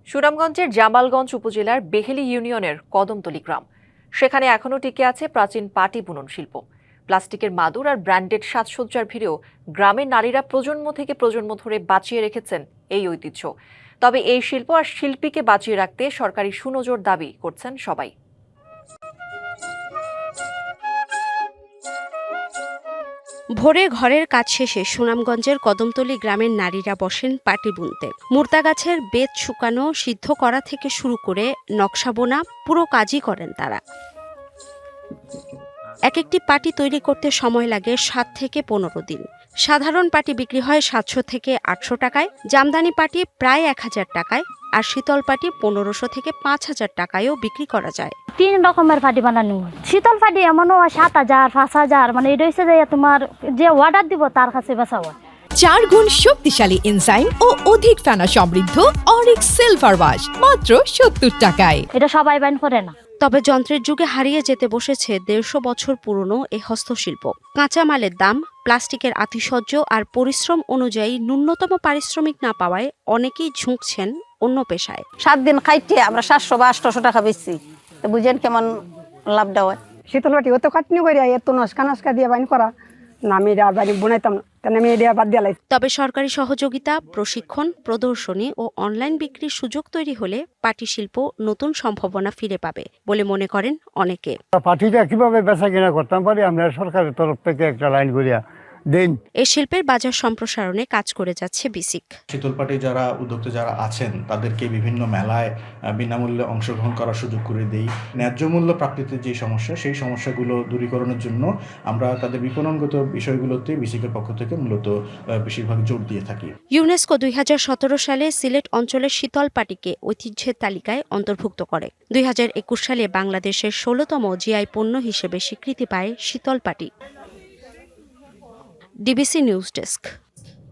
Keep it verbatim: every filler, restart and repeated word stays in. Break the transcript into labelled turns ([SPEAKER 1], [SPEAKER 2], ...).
[SPEAKER 1] সুনামগঞ্জের জামালগঞ্জ উপজেলার বেহেলি ইউনিয়নের কদমতলী গ্রাম। সেখানে এখনও টিকে আছে প্রাচীন পাটি বুনন শিল্প। প্লাস্টিকের মাদুর আর ব্র্যান্ডেড সাজসজ্জার ভিড়েও গ্রামের নারীরা প্রজন্ম থেকে প্রজন্ম ধরে বাঁচিয়ে রেখেছেন এই ঐতিহ্য। তবে এই শিল্প আর শিল্পীকে বাঁচিয়ে রাখতে সরকারি সুনজর দাবি করছেন সবাই।
[SPEAKER 2] ভোরে ঘরের কাজ শেষে সুনামগঞ্জের কদমতলী গ্রামের নারীরা বসেন পাটি বুনতে। মুর্তা গাছের বেত শুকানো, সিদ্ধ করা থেকে শুরু করে নকশা বোনা পুরো কাজই করেন তারা। এক একটি পাটি তৈরি করতে সময় লাগে সাত থেকে পনেরো দিন। সাধারণ পাটি বিক্রি হয় সাতশো থেকে আটশো টাকায়, জামদানি পাটি প্রায় এক হাজার টাকায়, আর শীতল পাটি পনেরোশো থেকে পাঁচ হাজার টাকায়ও বিক্রি করা যায়।
[SPEAKER 3] তিন রকমের পাটি বানানো হয়। শীতল পাটি এমনও হয় সাত হাজার পাঁচ হাজার, মানে এটা হচ্ছে যে তোমার যে অর্ডার দিব তার কাছে বেচা হয়।
[SPEAKER 4] চার গুণ শক্তিশালী এনজাইম ও অধিক ফেনা সমৃদ্ধ অরিক্স সিলভার ওয়াশ মাত্র সত্তর টাকায়।
[SPEAKER 3] এটা সবাই বাইন করে না।
[SPEAKER 2] তবে যন্ত্রের যুগে হারিয়ে যেতে বসেছে দেড়শো বছর পুরনো এই হস্তশিল্প। কাঁচামালের দাম, প্লাস্টিকের আতিশয্য আর পরিশ্রম অনুযায়ী ন্যূনতম পারিশ্রমিক না পাওয়ায় অনেকেই ঝুঁকছেন অন্য পেশায়।
[SPEAKER 5] সাত দিন খাইতে আমরা সাতশো বা আটশো টাকা বেশি, তো বুঝেন কেমন লাভটা হয়।
[SPEAKER 6] শীতল পাটি অত কাটনি করে এত নস্কা নস্কা দিয়ে বাইন করা না, আমি এটা বাড়ি বোনাইতাম না, আমি এটা বাদ দিয়ে।
[SPEAKER 2] তবে সরকারি সহযোগিতা, প্রশিক্ষণ, প্রদর্শনী ও অনলাইন বিক্রির সুযোগ তৈরি হলে পাটি শিল্প নতুন সম্ভাবনা ফিরে পাবে বলে মনে করেন অনেকে।
[SPEAKER 7] পাটিটা কিভাবে বেচা কিনা করতাম পারি আমরা সরকারের তরফ থেকে একটা লাইন করিয়া দেন।
[SPEAKER 2] এই শিল্পের বাজার সম্প্রসারণে কাজ করে যাচ্ছে বিসিক।
[SPEAKER 8] শীতল পাটি যারা উদ্যোক্তা যারা আছেন তাদেরকে বিভিন্ন মেলায় বিনামূল্যে অংশগ্রহণ করার সুযোগ করে দেই। ন্যায্য মূল্য প্রাপ্তিতে যে সমস্যা, সেই সমস্যাগুলো দূরীকরণের জন্য আমরা তাদের বিপণনগত বিষয়গুলোতে বিসিকের পক্ষ থেকে মূলত বেশিরভাগ জোর দিয়ে থাকি।
[SPEAKER 2] ইউনেস্কো দুই হাজার সতেরো সালে সিলেট অঞ্চলের শীতল পাটিকে ঐতিহ্যের তালিকায় অন্তর্ভুক্ত করে। দুই হাজার একুশ সালে বাংলাদেশের ষোলতম জিআই পণ্য হিসেবে স্বীকৃতি পায় শীতল পাটি। DBC news desk.